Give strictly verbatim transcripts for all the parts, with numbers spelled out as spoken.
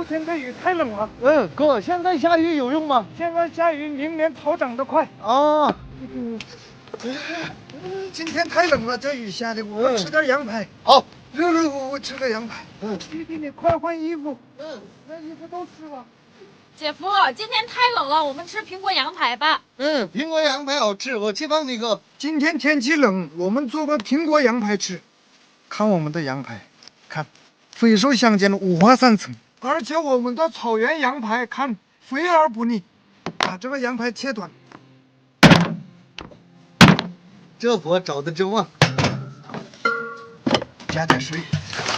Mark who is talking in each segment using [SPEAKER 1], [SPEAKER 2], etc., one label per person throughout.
[SPEAKER 1] 天的雨太冷了。
[SPEAKER 2] 嗯，哥，现在下雨有用吗？
[SPEAKER 1] 现在下雨，明年草长得快。
[SPEAKER 2] 啊，
[SPEAKER 1] 嗯，今天太冷了，这雨下的，我吃点羊排。
[SPEAKER 2] 好，
[SPEAKER 1] 热热乎乎吃个羊排。
[SPEAKER 2] 嗯，
[SPEAKER 1] 弟弟，你快换衣服。
[SPEAKER 2] 嗯，
[SPEAKER 1] 那衣服都湿了。
[SPEAKER 3] 姐夫，今天太冷了，我们吃苹果羊排吧。
[SPEAKER 2] 嗯，苹果羊排好吃，我去帮你哥。
[SPEAKER 1] 今天天气冷，我们做个苹果羊排吃。看我们的羊排，看，肥瘦相间，五花三层，而且我们的草原羊排看肥而不腻。把这个羊排切短。
[SPEAKER 2] 这活找的真旺。
[SPEAKER 1] 加点水。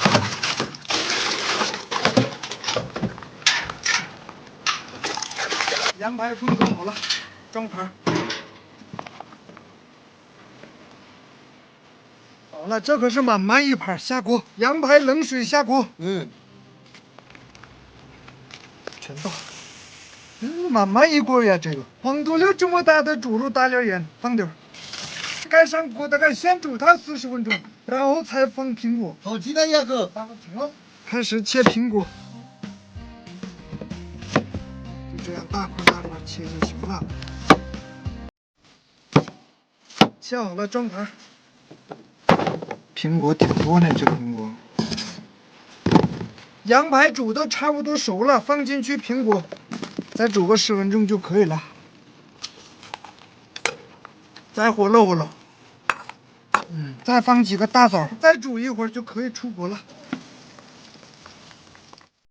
[SPEAKER 1] 羊排分割好了，装盘。好了，这可是满满一盘，下锅。羊排冷水下锅。
[SPEAKER 2] 嗯，
[SPEAKER 1] 全倒。嗯，满满一锅呀，这个黄土溜这么大的猪肉，大点盐，放点儿。盖上锅，大概先煮它四十分钟，然后才放苹果。
[SPEAKER 2] 好期待呀，哥。
[SPEAKER 1] 放停了，开始切苹果。就这样大块大块切就行了。切好了，装盘。苹果挺多呢，这苹果。羊排煮的差不多熟了，放进去苹果，再煮个十分钟就可以了。再和乐和乐。嗯，再放几个大枣，再煮一会儿就可以出锅了。